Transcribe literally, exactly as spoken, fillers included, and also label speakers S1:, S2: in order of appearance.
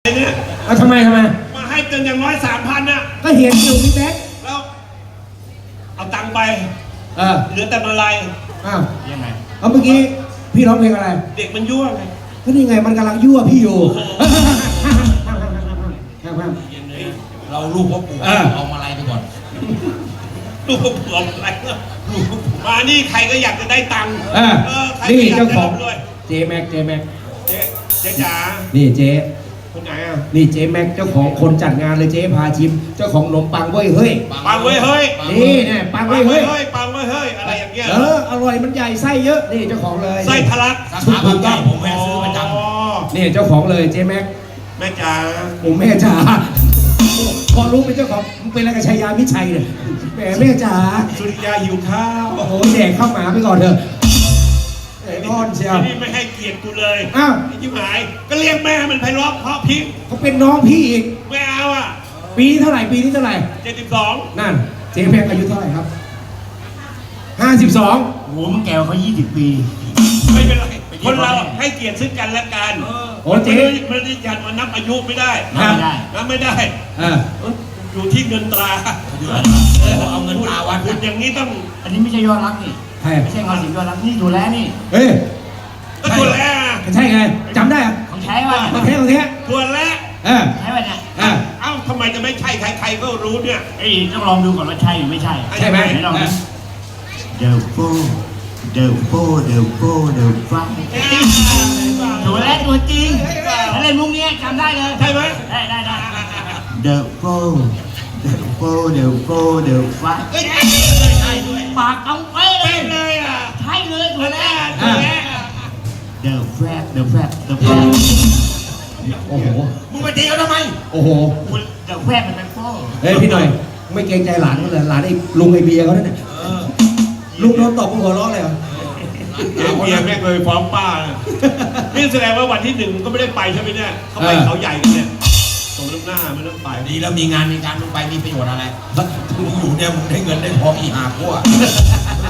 S1: เนี่ย
S2: เอาทำไมทำไม
S1: มาให้เกินอย่างน้อยสามพันน่ะ
S2: ก็เห็นอยู่พี่แบ๊ก
S1: แล้วเอาตังค์ไป
S2: เออ
S1: เหลือแต่มาลัย
S2: อ้าว
S1: ยังไง
S2: เอาเมื่อกี้พี่ร้องเพลงอะไร
S1: เด็กมันยั่วไง
S2: ก็นี่ไงมันกำลังยั่วพี่อยู่
S3: เราลูกพ่อปู่เอามาลัยไปก่อน
S1: ลูกพ่อปู่เอาอะไรลูกมานี่ใครก็อยากจะได้ตังค์
S2: นี่เจ้าของเจแม็กเจแม็ก
S1: เจ๊เจ๊จ๋า
S2: นี่เจ๊
S1: คนไหนอ่ะ
S2: นี่เจ๊แม็กเจ้าของคนจัดงานเลยเจ๊พาชิมเจ้าของขนมปังเว้ยเฮ้ย
S1: ปังเว้ยเฮ้ย
S2: นี่เนี่ยปังเว้ยเฮ้ย
S1: ปังเว้ยเฮ้ยอะไรอย่างเงี้ย
S2: เอออร่อยมันใหญ่ไส้เยอะนี่เจ้าของเลย
S1: ไส้ทะลัก
S3: สาขาบางใหญ่ผมแม่ซื้อประจ
S2: ำนี่เจ้าของเลยเจ๊แม็ก
S1: แม่จ๋า
S2: ผมแม่จ๋าพอรู้เป็นเจ้าของเป็นอะไรกับชัยยามิชัยเนี่ยแหมแม่จ๋า
S1: สุริยาหิวข้าว
S2: โอ้โหแดกข้าวหมาไปก่อนเถอะไอ้นอนเชียว
S1: นี่ไม่ให้เกียรติกูเลย
S2: อ้าว
S1: ยิ่งหายก็เรียกแม่มันไพเราะเพราะพิง
S2: เขาเป็นน้องพี่อีก
S1: ไม่เอาอ่ะ
S2: ปีนี้เท่าไหร่ปีนี้เท่าไหร่
S1: เจ็ดสิบสอง
S2: นั่นเจ๊แพงอายุเท่าไหร่ครับห้าสิบสอง
S3: โอ้โหมึงแก่เขายี่สิบปี
S1: ไม่เป็นไรคนเราให้เกียรติซึ่งกันและกัน
S2: โอ้เจ๊
S1: ไม่ได้ยันมานับอายุไม่ได้
S3: ไม่ได้
S1: นับไม่ได้อยู่ที่เงินตรา
S3: เอาเงินตราวัด
S1: คุณอย่างนี้ต้อง
S3: อันนี้ไม่ใช่ยอดรักนี่ไม่ใช่เงาสิงยอดรักนี่ดูแลนี่
S2: เฮ้ย
S1: ก็ตัวแรก
S2: ใช่ไงจำได้อะ
S3: ของใช้ว่ะ
S2: ของแท้ของแท้
S1: ตัวแรก
S2: เออ
S3: ใช่ป่ะเนี่ย
S1: เอ้าทำไมจะไม่ใช่ใครๆก็รู้เนี่ย
S3: ไอ้ต้องลองดูก่อนว่าใช่หรือไม่ใช่
S2: ใช่ไหม
S3: ลองดูเดี๋ยวโป้เดี๋ยวโป้เดี๋ยวโป้เดี๋ยวฟังดูแลตัวจริงแล้วเล่นมุกนี้จำได้เลย
S1: ใช่ไหม
S3: ได้ได้ได้เดี๋ยวโป้เดี๋ยวโป้เดี๋ยวโป้เดี๋ยวฟังปากต้องเป๊ะ
S1: เลยอ่ะ
S3: ใช่เลยตัวแรก
S1: ตัวแรก
S3: เดี๋ยวแฟบเดี๋ยวแฟบเดี๋ยวแฟบ
S2: โอ้โห
S1: มึงไปตีเขาทำไม
S2: โอ้โห
S3: เดี๋ยวแฟบมันเป็นโป้
S2: เฮ้ยพี่หน่อยไม่เกรงใจหลานเขาเลยหลานไอ้ลุงไอเบียร์เขาเนี่ยลุงโดนตบหัวเราะเลยเหรอ
S1: เบียร์ไม่เคยฟ้องป้านี่แสดงว่าวันที่หนึ่งก็ไม่ได้ไปใช่ไหมเนี่ยเขาไปเขาใหญ่กันเนี่ยตรงน้ำหน้าไม่ต้องไป
S3: ดีแล้วมีงานมีการมึงไปมีประโยชน์อะไรมึงอยู่เนี่ยมึงได้เงินได้ทองอีหาพวก